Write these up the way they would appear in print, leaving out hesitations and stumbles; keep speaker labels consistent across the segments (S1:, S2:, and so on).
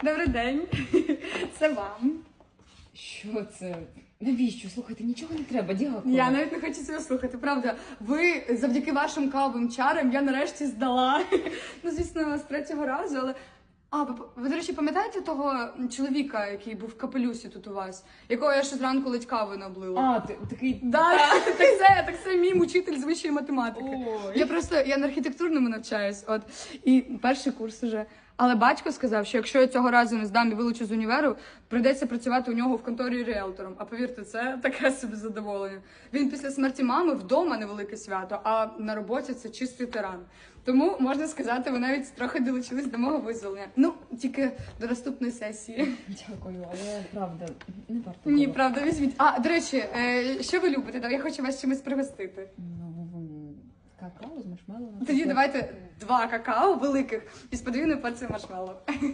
S1: Добрий день. Це вам.
S2: Що це? Навіщо? Слухайте, нічого не треба, дякую.
S1: Я навіть не хочу цього слухати, правда. Ви, завдяки вашим кавовим чарам, я нарешті здала. Ну, звісно, з третього разу, але... ви, до речі, пам'ятаєте того чоловіка, який був в капелюсі тут у вас? Якого я ще зранку ледь кави наблила?
S2: Такий...
S1: Да, так це мій учитель з вищої математики. Я на архітектурному навчаюсь, от. І перший курс уже. Але батько сказав, що якщо я цього разу не здам і вилучу з універу, прийдеться працювати у нього в конторі ріелтором. А повірте, це таке собі задоволення. Він після смерті мами вдома невелике свято, а на роботі це чистий тиран. Тому, можна сказати, ви навіть трохи долучились до мого визволення. Ну, тільки до наступної сесії.
S2: Дякую, але правда, не варто.
S1: Ні, правда, візьміть. До речі, що ви любите? Я хочу вас чимось пригостити.
S2: Какао з маршмеллоу.
S1: Тоді давайте 2 какао великих із подвійною порцією маршмеллоу.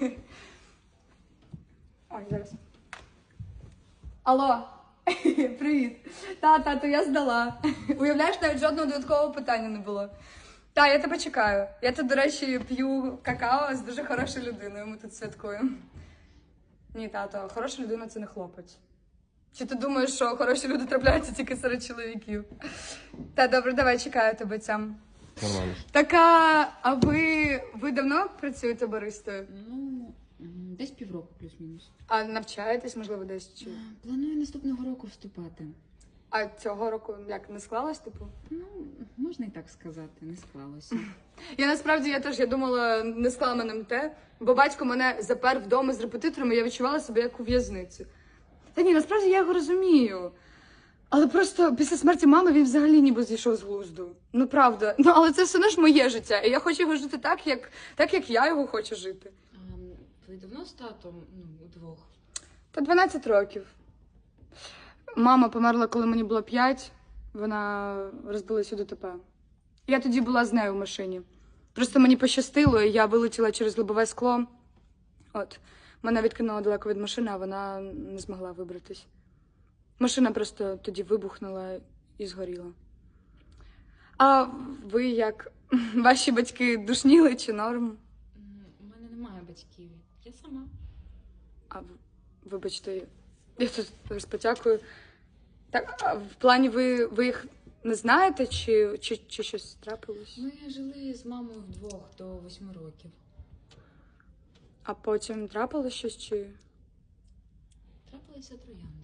S1: Ой, зараз. Алло, привіт. Тато, я здала. Уявляєш, навіть жодного додаткового питання не було. Я тебе чекаю. Я тут, до речі, п'ю какао з дуже хорошою людиною, ми тут святкуємо. Ні, тато, хороша людина – це не хлопець. Чи ти думаєш, що хороші люди трапляються тільки серед чоловіків? Добре, давай, чекаю тебе цям.
S3: Нормально.
S1: А ви давно працюєте баристою?
S2: Ну, десь півроку плюс-мінус.
S1: А навчаєтесь, можливо, десь чи?
S2: Планую наступного року вступати.
S1: А цього року як, не склалось, типу?
S2: Ну, можна і так сказати, не склалося.
S1: Я думала, не склала мене те, бо батько мене запер вдома з репетиторами, я відчувала себе як у в'язниці. Та ні, насправді я його розумію. Але просто після смерті мами він взагалі ніби зійшов з глузду. Ну, правда. Але це все одно ж моє життя, і я хочу його жити так, як я його хочу жити.
S2: Ви давно з татом, удвох?
S1: Та 12 років. Мама померла, коли мені було 5. Вона розбилася у ДТП. Я тоді була з нею в машині. Просто мені пощастило, і я вилетіла через лобове скло. Мене відкинуло далеко від машини, а вона не змогла вибратись. Машина просто тоді вибухнула і згоріла. А ви як? Ваші батьки душніли чи норм?
S2: У мене немає батьків. Я сама.
S1: Вибачте, я тут розпотякую. Так, а в плані ви їх не знаєте, чи щось трапилось?
S2: Ми жили з мамою вдвох до 8 років.
S1: А потім трапилось щось, чи?
S2: Трапилися троянди.